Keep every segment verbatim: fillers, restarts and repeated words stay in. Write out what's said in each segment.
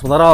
আসমা দাঁড়াও।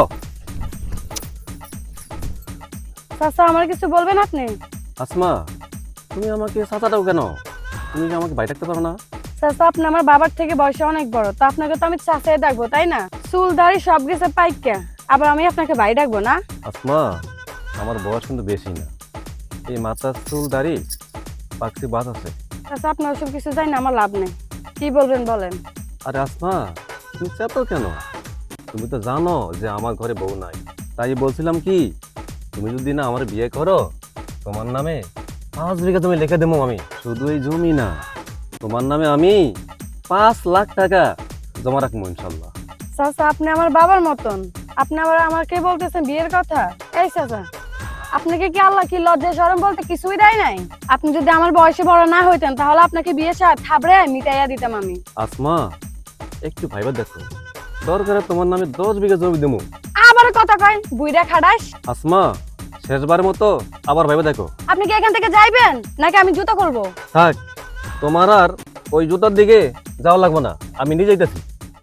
চাচা আমার কিছু বলবেন আপনি? আসমা, তুমি আমাকে চাচাটাও কেন? তুমি কি আমাকে ভাই ডাকতে পারো না? চাচা আপনি আমার বাবার থেকে বয়সে অনেক বড়, তো আপনাকে তো আমি চাচাই ডাকবো তাই না? চুল দাড়ি সব গেছে পাইকা, আবার আমি আপনাকে ভাই ডাকবো না? আসমা, আমার বয়স কিন্তু বেশি না। এই মাথার চুল দাড়ি পাকসি বাস আছে। চাচা আপনি ওসব কিছু জানি না, আমার লাভ নেই। কি বলবেন বলেন। আরে আসমা, তুমি চেতো কেন? তুমি তো জানো যে আমার ঘরে বউ নাই। তাই বলছিলাম কি, তুমি যদি না আমার বিয়ে করো, তোমার নামে পাঁচ বিঘা তুমি লিখে দেবো আমি। শুধু এই জমি না, তোমার নামে আমি পাঁচ লাখ টাকা জমা রাখবো ইনশাল্লাহ। চাচা আপনি আমার বাবার মতন, আপনি আবার আমাকে বলতেছেন বিয়ের কথা? এই চাচা, আপনাকে কি আল্লাহ কি লজ্জা শরম বলতে কিছুই দেয় নাই? আপনি যদি আমার বয়সে বড় না হইতেন তাহলে আপনাকে বিয়ে সাথ থাবড়ে মিটাইয়া দিতাম আমি। আসমা, একটু ভাইবা দেখো, দরকারে তোমার নামে দশ বিঘা জমি দেবো। আবার কথা কয় বুইড়া খাডাস। আসমা, শেষবারের মতো আবার ভাইবা দেখো। আপনি কি এখান থেকে যাইবেন নাকি আমি জুতো করবো? থাক, তোমার আর ওই জুতার দিকে যাওয়া লাগবে না, আমি নিজে যাইতেছি।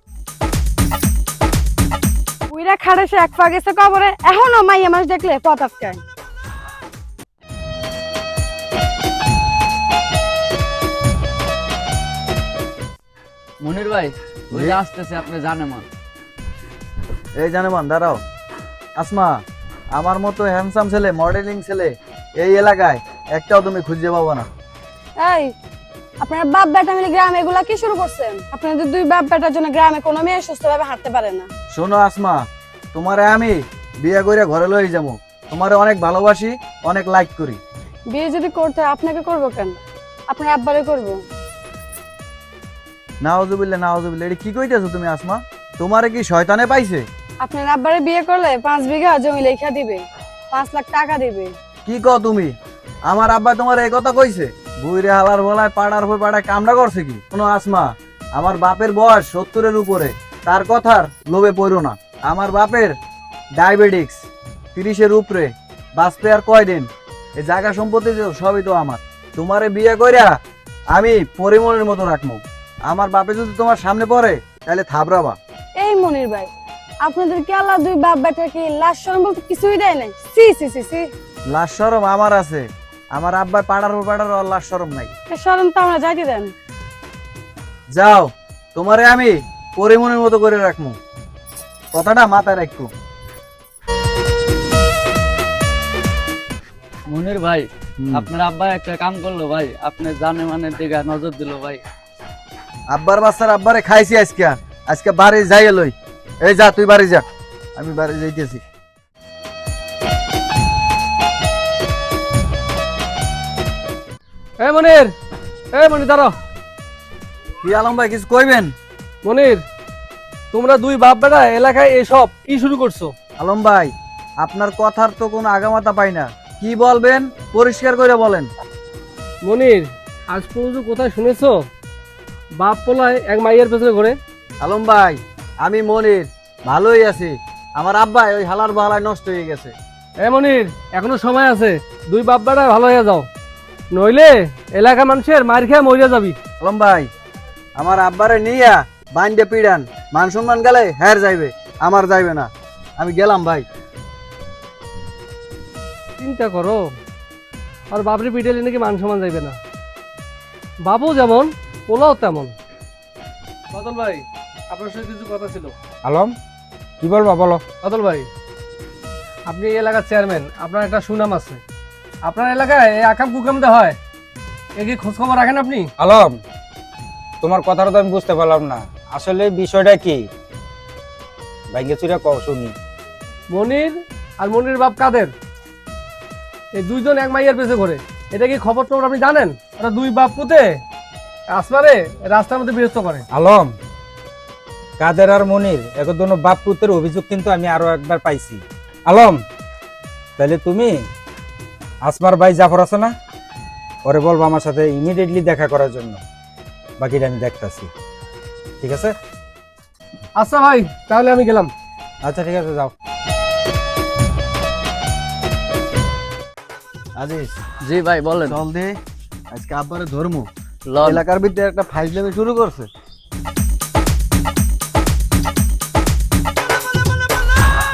বুইড়া খাডাসে এক পা গেছে কবরে, এখনো মাইয়া মাস দেখলে পথ আটকায়। মনির ভাই ওই যে আসতেছে, আপনি জানেন মা। এই জানেমান দাঁড়াও। আসমা, আমার মতো হ্যান্ডসাম ছেলে, মডেলিং ছেলে এই এলাকায় একটাও তুমি খুঁজে পাবো না। এই আপনার বাপ বেটা মিলে গ্রামে এগুলা কি শুরু করছেন? আপনাদের দুই বাপ বেটার জন্য গ্রামে কোনো মেয়ে সুস্থভাবে হাঁটতে পারে না। শোনো আসমা, তোমারে আমি বিয়ে করে ঘরে লই যাবো। তোমারে অনেক ভালোবাসি, অনেক লাইক করি। বিয়ে যদি করতে হয় আপনাকে করবো কেন, আপনার আব্বারে করবো। নাউজুবিল্লাহ নাউজুবিল্লাহ, এটা কি কইতেছো তুমি আসমা? তোমারে কি শয়তানে পাইছে? আপনার আব্বারে বিয়ে করলে পাঁচ বিঘা জমি লেখা দিবে, পাঁচ লাখ টাকা দিবে। কি কও তুমি? আমার আব্বা তোমার এই কথা কইছে? বুইরে হালার বলায় পাড়ার হয়ে পাড়ায় কামড়া করছে কি? শোনো আসমা, আমার বাপের বয়স সত্তরের উপরে, তার কথার লোভে পড়ো না। আমার বাপের ডায়াবেটিক্স তিরিশের উপরে, বাঁচতে আর কয়দিন। এই জায়গা সম্পত্তি তো সবই তো আমার। তোমারে বিয়ে কইরা আমি পরিমলের মতো রাখবো। আমার বাপে যদি তোমার সামনে পড়ে তাহলে থাবড়াবা। এই মনির ভাই, আপনাদের কি আল্লাহ দুই বাপ বেটা কি লাশ শরম বলতে কিছুই দেয় নাই? সি সি সি সি। লাশ শরম আমার আছে, আমার আব্বার পাড়ার হয়ে পাড়ার আর লাশ শরম নাই। এ শরম তো আমরা যাইতে দেন। যাও, তোমারে আমি পরিমনের মতো করে রাখবো, কথাটা মাথায় রাখবো। মনির ভাই আপনার আব্বা একটা কাম করলো ভাই, আপনি জানে মানে দিকে নজর দিল ভাই। আব্বার বাচ্চার আব্বারে খাইছি আজকে, আজকে বাড়ি যাই লই। এই যা, তুই বাড়ি যা, আমি বাড়ি যাইতেছি। এই মনির, এই মনির দাঁড়াও। কি আলম ভাই, কিছু কইবেন? মনির, তোমরা দুই বাপ বেটা এলাকায় এসব কি শুরু করছো? আলম ভাই, আপনার কথার তো কোনো আগামাতা পাই না, কি বলবেন পরিষ্কার করে বলেন। মনির, আজ পর্যন্ত কোথায় শুনেছো বাপ পোলায় এক মাইয়ের পেছনে ঘোরে? আলম ভাই, আমি মনির ভালোই আছি, আমার আব্বাই ওই হালার বালায় নষ্ট হয়ে গেছে। এ মনির, এখনো সময় আছে, দুই বাপ বেটা ভালো হয়ে যাও, নইলে এলাকা মানুষের মার খেয়ে মরিয়া যাবি। আলম ভাই, আমার আব্বারে নিয়া বাইন্ডে পিড়ান, মান সম্মান গেলে হ্যার যাইবে, আমার যাইবে না। আমি গেলাম ভাই। চিন্তা করো, আর বাপরে পিটাইলে নাকি মান সম্মান যাইবে না। বাবু যেমন পোলাও তেমন। বাদল ভাই, আপনার সাথে কিছু কথা ছিল। আলম, কি বলবো বলো। বাদল ভাই, আপনি এই এলাকার চেয়ারম্যান, আপনার একটা সুনাম আছে। আপনার এলাকায় এই আকাম কুকাম দা হয়, এ কি খোঁজ খবর রাখেন আপনি? আলম, তোমার কথাটা তো আমি বুঝতে পারলাম না, আসলে বিষয়টা কি? ভাইকে চুরা কও শুনি। মনির আর মনির বাপ কাদের, এই দুইজন এক মাইয়ার পেছে ঘরে, এটা কি খবর টবর আপনি জানেন? ওরা দুই বাপ পুতে আসমারে রাস্তার মধ্যে বিরক্ত করে। আলম, কাদের আর মনির একজন বাপ পুত্রের অভিযোগ কিন্তু আমি আরো একবার পাইছি। আলম, তাহলে তুমি আসমার ভাই জাফর আছে না, ওরে বলবো আমার সাথে ইমিডিয়েটলি দেখা করার জন্য, বাকিটা আমি দেখতাছি, ঠিক আছে? আচ্ছা ভাই, তাহলে আমি গেলাম। আচ্ছা ঠিক আছে, যাও। আজিজ, জি ভাই বলেন। চল দে, আজকে আব্বারে ধর্ম লন। এলাকার ভিতরে একটা ফাইজলামি শুরু করছে।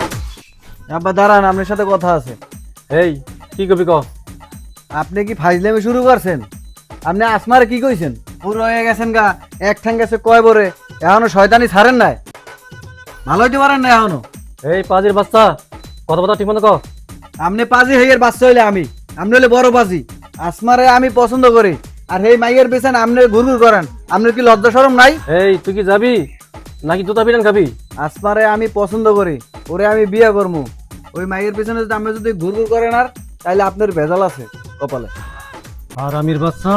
আব্বা দাঁড়ান, আপনার সাথে কথা আছে। এই কি কবি ক আপনি কি ফাইজলামি শুরু করছেন? আপনি আসমারে কি কইছেন? পুরো হয়ে গেছেন গা, এক ঠ্যাং গেছে কয় বরে, এখনো শয়তানি ছাড়েন নাই, ভালো হইতে পারেন না এখনো। এই পাজির বাচ্চা, কথা কথা ঠিক মতো ক। আপনি পাজি হইয়ের বাচ্চা হইলে আমি, আপনি হইলে বড় পাজি। আসমারে আমি পছন্দ করি, আর এই মাইয়ের পেছনে আপনি ঘুরঘুর করেন। আপনার কি লজ্জা শরম নাই? এই তুই কি যাবি নাকি জুতা পিটান খাবি? আসমারে আমি পছন্দ করি, ওরে আমি বিয়ে করবো। ওই মাইয়ের পেছনে যদি আপনি যদি ঘুরঘুর করেন আর, তাহলে আপনার ভেজাল আছে কপালে। আর আমির বাচ্চা,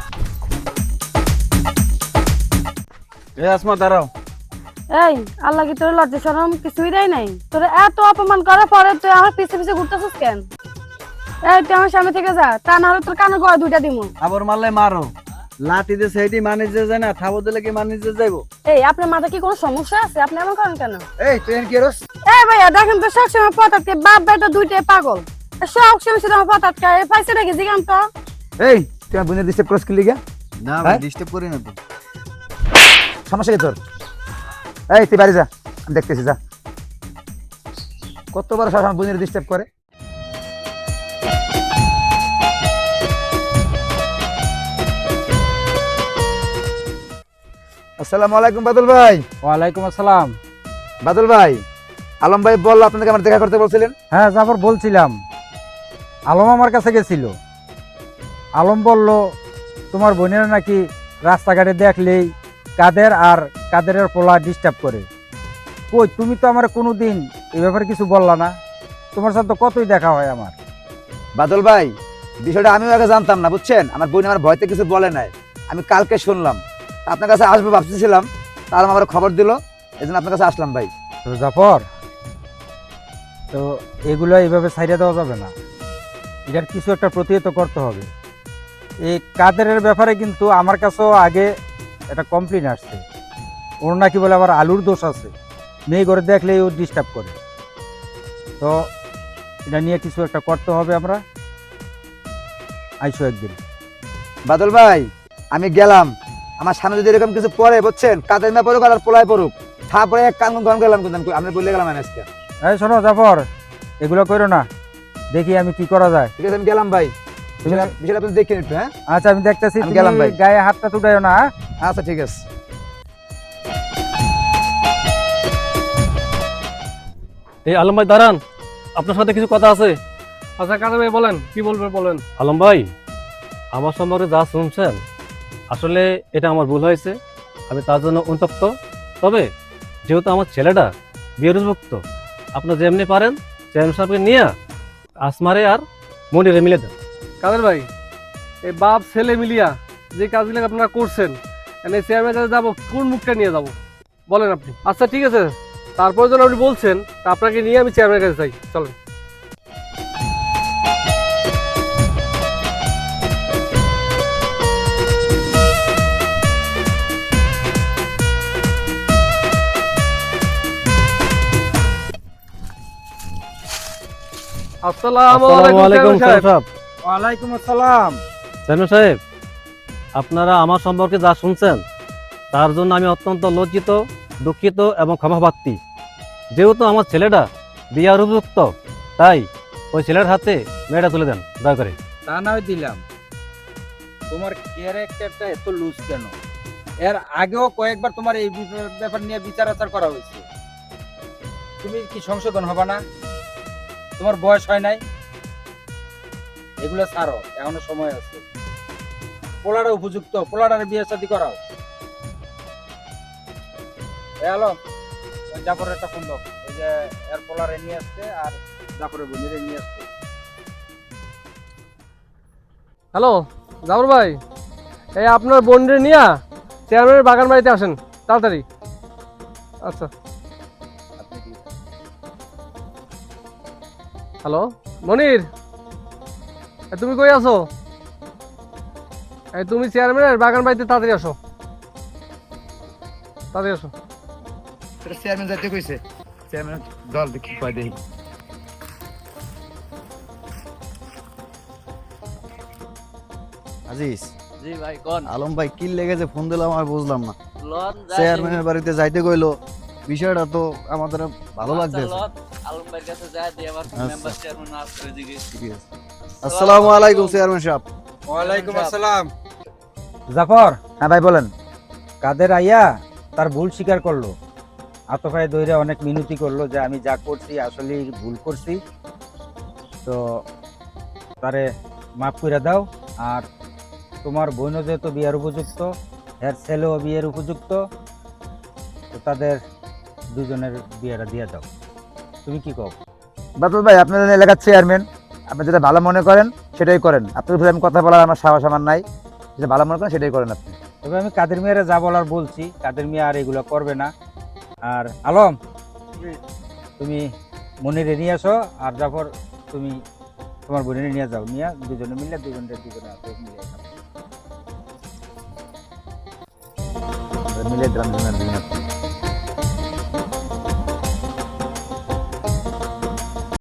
এ আসমা দাঁড়াও। এই আল্লাহ কি তোর লজ্জা শরম কিছুই দেয় নাই? তোর এত অপমান করার পরে তুই আমার পিছে পিছে ঘুরতেছিস কেন? এই তুই আমার সামনে থেকে যা, তা না হলে তোর কানে গড়া দুইটা দিমু। আবার মারলে মারো, লাঠি দিয়ে সেইটি মানি যে যায় না, থাবো দিলে কি মানি যে যাইবো? এই আপনার মাথা কি কোনো সমস্যা আছে? আপনি এমন করেন কেন? এই তুই এর কি রস? এই ভাইয়া দেখেন তো সবসময় পতাতকে বাপ বেটা দুইটাই পাগল। সব সময় শুধু আমার পতাতকে পাইছে নাকি জিগান তো। এই তুই আমার বোনের ডিস্টার্ব করছিস কি লিগা? না ভাই, ডিস্টার্ব করি না তো। সমস্যা কি তোর? এই তুই বাড়ি যা, আমি দেখতেছি, যা। কত বড় সাহস আমার বোনের ডিস্টার্ব করে। আসসালামু আলাইকুম বাদল ভাই। ওয়ালাইকুম আসসালাম। বাদল ভাই, আলম ভাই বললো আপনাকে আমার দেখা করতে বলছিলেন। হ্যাঁ জাফর বলছিলাম, আলম আমার কাছে গেছিল। আলম বলল তোমার বোনের নাকি রাস্তাঘাটে দেখলেই কাদের আর কাদেরের পোলা ডিস্টার্ব করে। কই তুমি তো আমার কোনো দিন এই ব্যাপারে কিছু বললা না। তোমার সাথে তো কতই দেখা হয় আমার। বাদল ভাই, বিষয়টা আমিও আগে জানতাম না, বুঝছেন। আমার বোন আমার ভয়তে কিছু বলে নাই, আমি কালকে শুনলাম। আপনার কাছে আসবো ভাবতেছিলাম, তার আমার খবর দিল, এই জন্য আপনার কাছে আসলাম ভাই। তো জাফর, তো এগুলো এইভাবে ছাইড়ে দেওয়া যাবে না, এটার কিছু একটা প্রতিহত করতে হবে। এই কাদেরের ব্যাপারে কিন্তু আমার কাছেও আগে একটা কমপ্লেন আসছে। ওর নাকি বলে আবার আলুর দোষ আছে, মেয়ে করে দেখলেই ও ডিস্টার্ব করে। তো এটা নিয়ে কিছু একটা করতে হবে। আমরা আইসো একদিন। বাদল ভাই, আমি গেলাম, আমার সামনে যদি এরকম কিছু পড়ে, বুঝছেন, কাদের না পড়ুক আর পোলায় পড়ুক, তারপরে এক কান গরম গেলাম, কিন্তু আমি বলে গেলাম আজকে। এই শোনো জাফর, এগুলো করো না, দেখি আমি কি করা যায়। ঠিক আছে, আমি গেলাম ভাই। বিষয়টা- বিষয়টা আপনি দেখে একটু। হ্যাঁ আচ্ছা আমি দেখতেছি, আমি তুমি গেলাম ভাই। গায়ে হাতটা তুটাইও না। হ্যাঁ? আচ্ছা ঠিক আছে। এই আলম ভাই দাঁড়ান, আপনার সাথে কিছু কথা আছে। আচ্ছা কাদের ভাই বলেন, কি বলবেন বলেন। আলম ভাই, আমার সম্পর্কে যা শুনছেন, আসলে এটা আমার ভুল হয়েছে, আমি তার জন্য অনুতপ্ত। তবে যেহেতু আমার ছেলেটা বিয়ের উপযুক্ত, আপনার যেমনি পারেন চেয়ারম্যান সাহেবকে নিয়ে আসমারে আর মনিরে মিলে দেন। কাদের ভাই, এই বাপ ছেলে মিলিয়া যে কাজগুলো আপনারা করছেন, এই চেয়ারম্যান কাছে যাবো, কোন মুখটা নিয়ে যাব বলেন আপনি? আচ্ছা ঠিক আছে, তারপর যখন আপনি বলছেন, তা আপনাকে নিয়ে আমি চেয়ারম্যানের কাছে যাই, চলেন। আসসালামু আসসালামু আলাইকুম আলাইকুম চেয়ারম্যান সাহেব। সাহেব। ওয়ালাইকুম আসসালাম। চেয়ারম্যান সাহেব, আপনারা আমার সম্পর্কে যা শুনছেন, তার জন্য আমি অত্যন্ত লজ্জিত, দুঃখিত এবং ক্ষমাপ্রার্থী। যেহেতু আমার ছেলেটা বিয়ার উপযুক্ত, তাই ওই ছেলের হাতে মেয়েটা তুলে দেন দয়া করে। তা নয় দিলাম, তোমার ক্যারেক্টারটা এত লুজ কেন? এর আগেও কয়েকবার তোমার এই বিষয়- ব্যাপার নিয়ে বিচার আচার করা হয়েছে। তুমি কি সংশোধন হবে না? তোমার বয়স হয় নাই, এগুলো ছাড়ো, এখনো সময় আছে। পোলাটা উপযুক্ত, পোলাটার বিয়ে শাদী করাও। হ্যালো, ওই জাফরের একটা ফোন দাও, ওই যে এর পোলারে নিয়ে আসছে আর জাফরের বোনেরে নিয়ে আসছে। হ্যালো জাফর ভাই, এই আপনার বোনরে নিয়ে চেয়ারম্যানের বাগান বাড়িতে আসেন তাড়াতাড়ি। আচ্ছা। হ্যালো মনির, এ তুমি কই আছো? এই তুমি চেয়ারম্যানের বাগান বাড়িতে তাড়াতাড়ি আসো, তাড়াতাড়ি আসো। চেয়ারম্যান যাইতে কইছে, চেয়ারম্যান দল দেখি কয় দেই। আজিজ, জি ভাই কোন আলম ভাই কি লেগেছে ফোন দিলাম আর বুঝলাম না। লন চেয়ারম্যানের বাড়িতে যাইতে কইলো, বিষয়টা তো আমাদের ভালো লাগতেছে। আলম ভাইয়ের কাছে যায় দিয়ে আবার আচ্ছা। মেম্বার চেয়ারম্যান আসছে ওইদিকে। আসসালামু আলাইকুম চেয়ারম্যান সাহেব। ওয়ালাইকুম আসসালাম। জাফর, হ্যাঁ ভাই বলেন। কাদের আইয়া তার ভুল স্বীকার করলো, আতফায় দইরা অনেক মিনতি করলো যে আমি যা করছি আসলে ভুল করছি, তো তারে মাফ করে দাও। আর তোমার বোনও যেহেতু বিয়ের উপযুক্ত, এর ছেলেও বিয়ের উপযুক্ত, তো তাদের দুজনের বিয়েটা দিয়ে দাও। তুমি কি কও? বাদল ভাই আপনাদের এলাকার চেয়ারম্যান, আপনি যেটা ভালো মনে করেন সেটাই করেন। আপনার উপরে আমি কথা বলার আমার সাহস আমার নাই, যেটা ভালো মনে করেন সেটাই করেন আপনি। তবে আমি কাদের মিয়ারে যা বলার বলছি, কাদের মিয়া আর এগুলো করবে না। আর আলম, তুমি মনিরে নিয়ে আসো, আর জাফর তুমি তোমার বোনের নিয়ে যাও, নিয়ে দুজনে মিলে দুজনের দুজনে আসো, মিলে খাও। মিলে দিলাম দুজনের দুজনের।